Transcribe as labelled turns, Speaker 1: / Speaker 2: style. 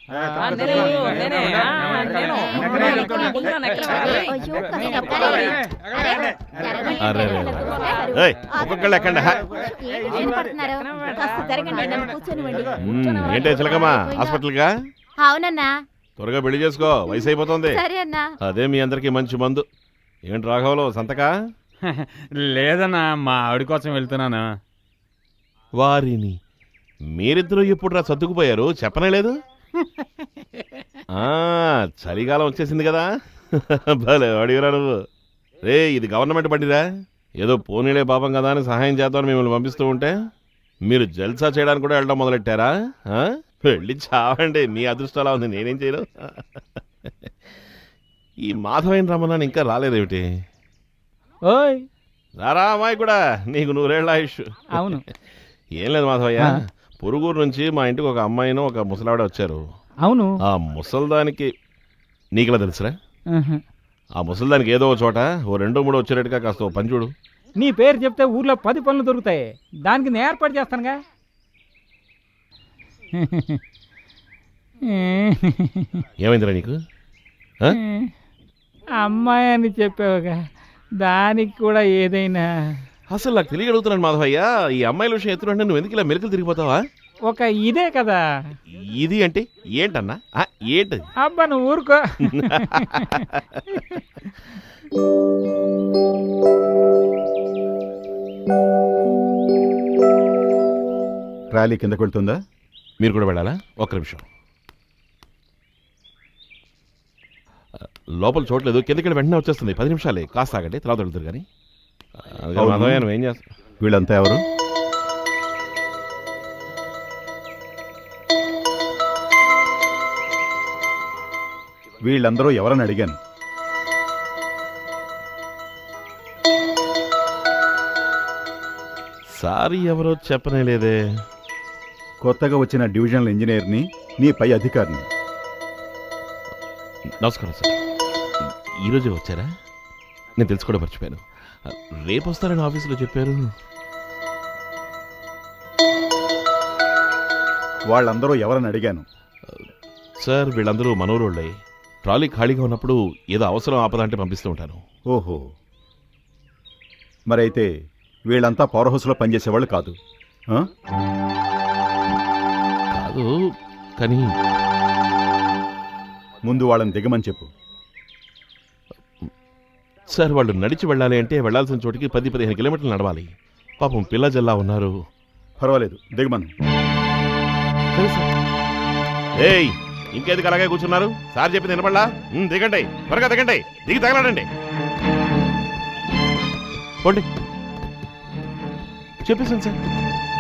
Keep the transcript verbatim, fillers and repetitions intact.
Speaker 1: ఒక్కొక్కళ్ళు ఎక్కండి. ఏంటే చిలకమ్మా హాస్పిటల్గా?
Speaker 2: అవునన్నా.
Speaker 1: త్వరగా పెళ్లి చేసుకో, వయసు అయిపోతుంది. అదే మీ అందరికి మంచి మందు. ఏంటి రాఘవలో సంతకా?
Speaker 3: లేదన్నా, మా ఆవిడ కోసం వెళ్తున్నాను.
Speaker 1: వారిని మీరిద్దరూ ఎప్పుడు రా సర్దుకుపోయారు, చెప్పనే లేదు? చలికాలం వచ్చేసింది కదా. భలే అడిగిరా నువ్వు. రే, ఇది గవర్నమెంట్ బండిరా. ఏదో పోనీలే పాపం కదా అని సహాయం చేద్దామని మిమ్మల్ని పంపిస్తూ ఉంటే మీరు జల్సా చేయడానికి కూడా వెళ్ళడం మొదలెట్టారా? వెళ్ళి చావండి, మీ అదృష్టం అలా ఉంది, నేనేం చేయను. ఈ మాధవైన రమణాన్ని ఇంకా రాలేదేమిటి?
Speaker 3: ఓయ్
Speaker 1: రారా అమ్మాయి కూడా, నీకు నూరేళ్ల ఆయుష్.
Speaker 3: అవును.
Speaker 1: ఏం లేదు మాధవయ్య, పొరుగురు నుంచి మా ఇంటికి ఒక అమ్మాయిను ఒక ముసలావిడ వచ్చారు.
Speaker 3: అవును.
Speaker 1: ఆ ముసల్దానికి నీకులా తెలుసురా? ఆ ముసల్దానికి ఏదో ఒక చోట ఓ రెండో మూడో వచ్చేటట్టుగా కాస్త పని చూడు.
Speaker 3: నీ పేరు చెప్తే ఊర్లో పది పనులు దొరుకుతాయి, దానికి నేను ఏర్పాటు చేస్తానుగా.
Speaker 1: ఏమైందిరా నీకు?
Speaker 3: అమ్మాయి అని చెప్పావుగా, దానికి కూడా ఏదైనా.
Speaker 1: అసలు నాకు తెలియగలుగుతున్నాను మాధవయ్య, ఈ అమ్మాయిల విషయం ఎత్తునంటే నువ్వు ఎందుకు ఇలా మెరుకులు తిరిగిపోతావా?
Speaker 3: ఒక ఇదే కదా.
Speaker 1: ఇది అంటే ఏంటన్నా? ఏంటి?
Speaker 3: అబ్బా నువ్వు ఊరుకో.
Speaker 4: ర్యాలీ కిందకు వెళ్తుందా?
Speaker 1: మీరు కూడా వెళ్ళాలా? ఒక్క నిమిషం, లోపల చూడలేదు, కిందకి వెంటనే వచ్చేస్తుంది. పది నిమిషాలే, కాస్త ఆగండి, తర్వాత వెళ్తారు. కానీ మాధవయ్య నువ్వేం చేస్తావు?
Speaker 4: వీళ్ళంతా ఎవరు? వీళ్ళందరూ ఎవరని అడిగాను.
Speaker 1: సారీ ఎవరో చెప్పనే లేదే.
Speaker 4: కొత్తగా వచ్చిన డివిజనల్ ఇంజనీర్ని, నీ పై అధికారిని.
Speaker 1: నమస్కారం సార్, ఈరోజే వచ్చారా? నేను తెలుసుకోవడం మర్చిపోయాను. రేపు వస్తారని ఆఫీసులో చెప్పారు.
Speaker 4: వాళ్ళందరూ ఎవరని అడిగాను.
Speaker 1: సార్ వీళ్ళందరూ మనోరోళ్ళే. ట్రాలీ ఖాళీగా ఉన్నప్పుడు ఏదో అవసరం ఆపద అంటే పంపిస్తూ ఉంటాను.
Speaker 4: ఓహో, మరైతే వీళ్ళంతా పవర్ హౌస్లో పనిచేసేవాళ్ళు కాదు?
Speaker 1: కాదు, కానీ
Speaker 4: ముందు వాళ్ళని దిగమని చెప్పు.
Speaker 1: సార్ వాళ్ళు నడిచి వెళ్ళాలి అంటే వెళ్లాల్సిన చోటికి పది పదిహేను కిలోమీటర్లు నడవాలి. పాపం పిల్ల జల్లా ఉన్నారు.
Speaker 4: పర్వాలేదు, దిగమను.
Speaker 1: సరే సార్. ఏయ్, ఇంకేందుకు అలాగే కూర్చున్నారు? సార్ చెప్పింది వినపడలా? దిగండి, త్వరగా దిగండి, దిగి తగలాడండి. పోండి, చెప్పేసాను సార్.